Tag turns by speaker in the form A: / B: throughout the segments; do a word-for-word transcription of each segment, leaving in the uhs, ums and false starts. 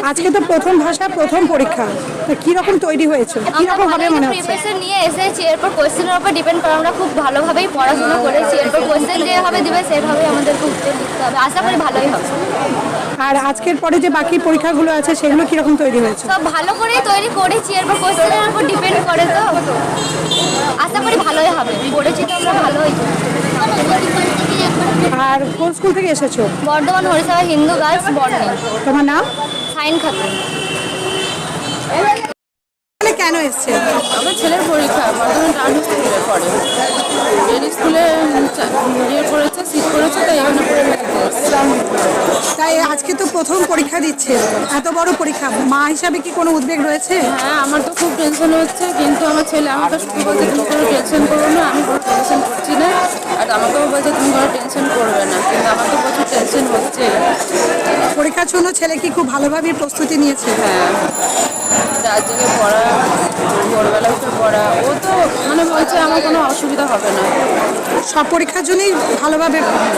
A: আজকে তো প্রথম ভাষা প্রথম পরীক্ষা, তো কি রকম তৈরি হয়েছে, কি রকম হবে মনে হচ্ছে?
B: প্রিপারেশন নিয়ে এসেছি, এরপর কোশ্চেনের উপর ডিপেন্ড করে আমরা খুব ভালোভাবেই পড়াশোনা করেছি। এরপর কোশ্চেন যেভাবে দিবে সেভাবে আমাদেরকে উত্তর দিতে হবে, আশা করি ভালোই হবে।
A: আর আজকের পরে যে বাকি পরীক্ষাগুলো আছে সেগুলো কি রকম তৈরি হয়েছে?
B: সব ভালো করেই তৈরি করেছি, এরপর কোশ্চেনের উপর ডিপেন্ড করে, তো আশা করি ভালোই হবে। পড়েছি তো আমরা ভালোই।
A: আর কোন স্কুল থেকে এসেছো?
B: বর্ধমান হরিসভা হিন্দু গার্লস বর্ণিং।
A: তোমার নাম?
B: সাইন খাতুন।
A: এখানে কেন এসছে?
C: আমার ছেলের পরীক্ষা বর্ধমান টাউন স্কুলে পড়ে, এই স্কুলে ইয়ে করেছে, সিট করেছে, তাই এখানে পড়ে
A: তাই আজকে তো প্রথম পরীক্ষা দিচ্ছে, এত বড় পরীক্ষা, মা হিসাবে কি কোনো উদ্বেগ রয়েছে?
C: হ্যাঁ, আমার তো খুব টেনশন হচ্ছে, কিন্তু আমার ছেলে আমাকে শুধু বলছে তুমি কোনো টেনশন করো না, আমি কোনো টেনশন করছি না। আর আমাকেও বলছে তুমি কোনো টেনশন করবে না, কিন্তু আমার তো প্রচুর টেনশন হচ্ছে।
A: পরীক্ষার জন্য ছেলে কি খুব ভালোভাবে প্রস্তুতি নিয়েছে?
C: হ্যাঁ, চার দিকে পড়া, ভোরবেলা উঠে পড়া, ও তো মানে বলছে আমার কোনো অসুবিধা হবে না।
A: সব পরীক্ষার জন্যই ভালোভাবে।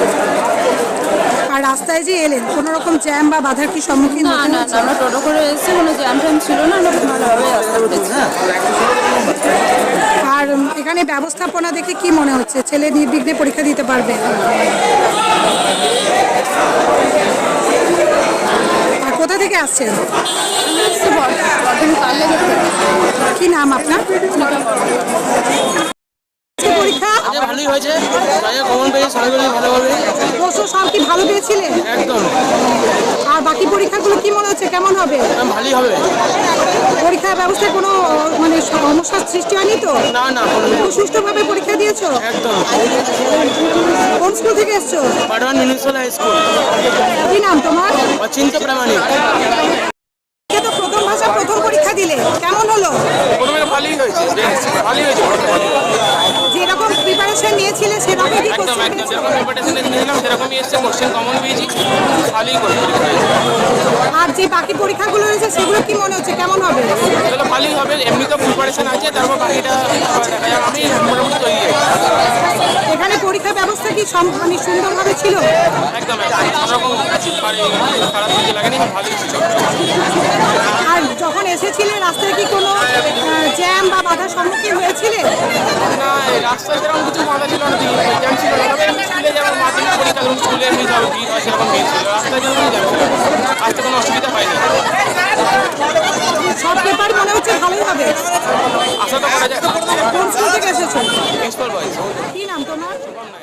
A: আর রাস্তায় যে এলেন, কোনো রকম জ্যাম বা বাধার কি সম্মুখীন
C: না
A: হতে
C: না
A: হচ্ছে?
C: না, আমরা টোটো করে এসেছি, কোনো জ্যাম ট্যাম ছিল না, আমরা ভালোভাবে রাস্তা উঠেছি।
A: আর এখানে ব্যবস্থাপনা দেখে কি মনে হচ্ছে, ছেলে নির্বিঘ্নে পরীক্ষা দিতে পারবে? আর কোথা থেকে আসছেন?
C: আমরা এসেছি বর্ধমান কালনাগর থেকে।
A: কি নাম আপনার? আজকে পরীক্ষা
D: ভালোই হয়েছে, কমন পেয়েছে, সবাই ভালো হবে।
A: প্রশ্ন সব কি ভালো পেয়েছিলেন?
D: একদম।
A: আর বাকি পরীক্ষাগুলো কি মনে হচ্ছে, কেমন হবে?
D: ভালোই হবে।
A: পরীক্ষার ব্যবস্থায় কোনো মানে সমস্যার সৃষ্টি হয়নি তো?
D: না না,
A: খুব সুষ্ঠুভাবে পরীক্ষা দিয়েছো?
D: একদম।
A: কোন স্কুল থেকে এসছো?
D: Bardhaman municipal high school.
A: কি নাম তোমার?
D: অচিন্ত প্রামাণিক।
A: আজকে তো প্রথম ভাষা প্রথম পরীক্ষা দিলে, কেমন হলো?
D: প্রথমে ভালোই হয়েছে, ভালোই হয়েছে।
A: যেরকম প্রিপারেশন নিয়েছিলে সেরকমই কি
D: একদম
A: কোশ্চেন
D: একদম যেরকম প্রিপারেশন নিয়েছিলাম সেরকমই এসছে, কোশ্চেন কমন পেয়েছি, ভালোই করে পরীক্ষা হয়েছে।
A: আর যে বাকি পরীক্ষাগুলো রয়েছে সেগুলো কি মনে হচ্ছে, কেমন হবে?
D: এগুলো ভালোই হবে, এমনি তো প্রিপারেশন আছে, তারপর বাকিটা দেখা যাক। আমি মোটামুটি তৈরি আছি।
A: এখানে পরীক্ষা ব্যবস্থা কি সম- মানে সুন্দরভাবে ছিল?
D: একদম একদম কোনোরকম খারাপ কিছু লাগেনি, ভালোই ছিল।
A: আর যখন এসেছিলে রাস্তায় কি কোনো জ্যাম বা বাধার সম্মুখীন হয়েছিলে?
D: না, এই রাস্তায় সেরকম কিছু বাধা ছিল না, জ্যাম ছিল না। তবে এমনি স্কুলে যেমন মাধ্যমিক পরীক্ষা ধরুন, স্কুলে এমনি যাবে ভিড় হয়, সেরকম ভিড় ছিল। রাস্তায় যেমন জ্যাম ছিল, আসতে কোনো অসুবিধা হয়নি।
A: সব পেপার মনে হচ্ছে ভালোই হবে।
D: আশা তো করা যায়।
A: কোন স্কুল থেকে এসেছো?
D: প্রিন্সিপাল বয়েস।
A: কি নাম তোমার?